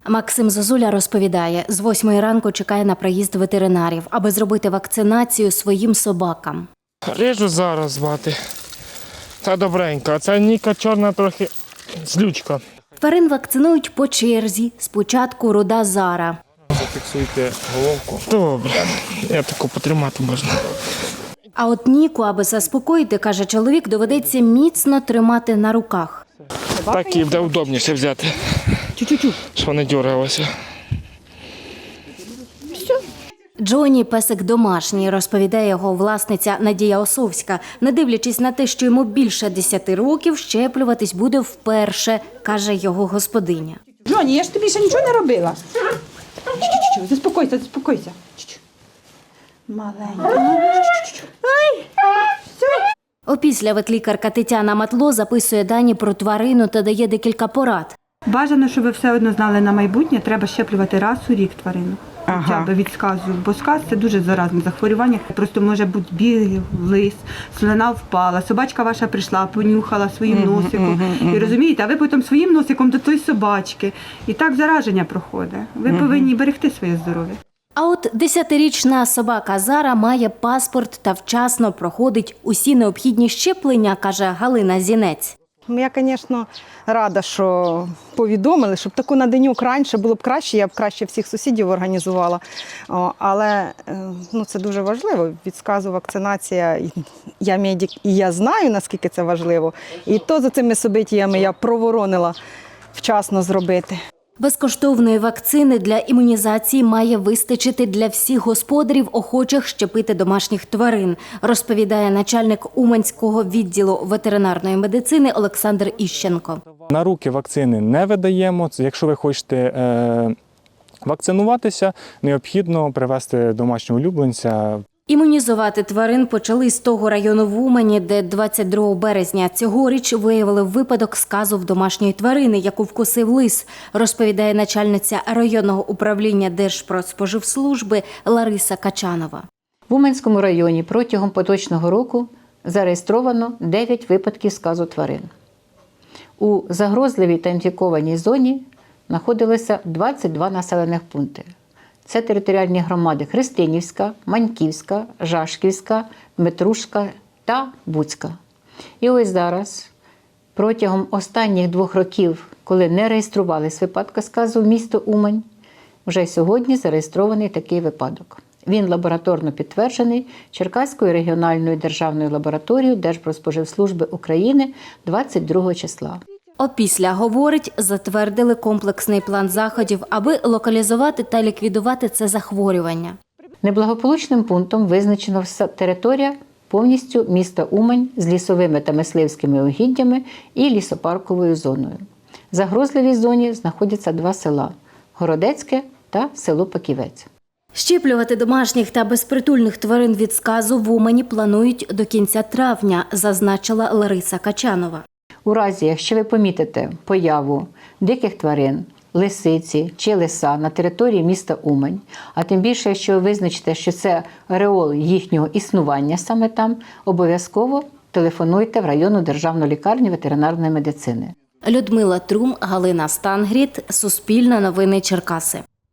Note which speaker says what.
Speaker 1: Максим Зозуля розповідає, з 8 ранку чекає на приїзд ветеринарів, аби зробити вакцинацію своїм собакам.
Speaker 2: Режу зараз, мати. Та добренька, а ця Ніка чорна трохи злючка.
Speaker 1: Тварин вакцинують по черзі. Спочатку руда Зара.
Speaker 2: Зафіксуйте головку. Добре, я таку потримати можна.
Speaker 1: А от Ніку, аби заспокоїти, каже чоловік, доведеться міцно тримати на руках.
Speaker 2: Так їй буде удобніше взяти, щоб не дергалося.
Speaker 1: Джоні – песик домашній, розповідає його власниця Надія Осовська. Не дивлячись на те, що йому більше 10 років, щеплюватись буде вперше, каже його господиня.
Speaker 3: Джоні, я ж тобі ще нічого не робила. Заспокойся, заспокойся. Маленька.
Speaker 1: Опісля ветлікарка Тетяна Матло записує дані про тварину та дає декілька порад.
Speaker 4: Бажано, щоб ви все одно знали на майбутнє, треба щеплювати раз у рік тварину. Хоча б від сказу, бо сказ – це дуже заразне захворювання. Просто може бути білий лис, слина впала, собачка ваша прийшла, понюхала своїм носиком. І розумієте, а ви потім своїм носиком до тої собачки. І так зараження проходить. Ви повинні берегти своє здоров'я.
Speaker 1: А от 10-річна собака Зара має паспорт та вчасно проходить усі необхідні щеплення, каже Галина Зінець.
Speaker 5: Я, звісно, рада, що повідомили, щоб таку на денюк раніше було б краще, я б краще всіх сусідів організувала. Але це дуже важливо, від сказу вакцинація, я медик і я знаю, наскільки це важливо. І то за цими событиями я проворонила вчасно зробити.
Speaker 1: Безкоштовної вакцини для імунізації має вистачити для всіх господарів, охочих щепити домашніх тварин, розповідає начальник Уманського відділу ветеринарної медицини Олександр Іщенко.
Speaker 6: На руки вакцини не видаємо. Якщо ви хочете вакцинуватися, необхідно привезти домашнього улюбленця.
Speaker 1: Імунізувати тварин почали з того району в Умані, де 22 березня цьогоріч виявили випадок сказу в домашньої тварини, яку вкусив лис, розповідає начальниця районного управління Держпродспоживслужби Лариса Качанова.
Speaker 7: В Уманському районі протягом поточного року зареєстровано 9 випадків сказу тварин. У загрозливій та інфікованій зоні знаходилися 22 населених пункти. Це територіальні громади Христинівська, Маньківська, Жашківська, Дмитрушка та Буцька. І ось зараз, протягом останніх 2 років, коли не реєструвались випадки сказу в місто Умань, вже сьогодні зареєстрований такий випадок. Він лабораторно підтверджений Черкаською регіональною державною лабораторією Держпродспоживслужби України 22 числа.
Speaker 1: Опісля, говорить, затвердили комплексний план заходів, аби локалізувати та ліквідувати це захворювання.
Speaker 7: Неблагополучним пунктом визначено територія повністю міста Умань з лісовими та мисливськими угіддями і лісопарковою зоною. В загрозливій зоні знаходяться 2 села – Городецьке та село Паківець.
Speaker 1: Щеплювати домашніх та безпритульних тварин від сказу в Умані планують до кінця травня, зазначила Лариса Качанова.
Speaker 7: У разі, якщо ви помітите появу диких тварин, лисиці чи лиса на території міста Умань, а тим більше, якщо ви визначите, що це ареол їхнього існування саме там, обов'язково телефонуйте в районну державну лікарню ветеринарної медицини.
Speaker 1: Людмила Трум, Галина Стангріт, Суспільне новини Черкаси.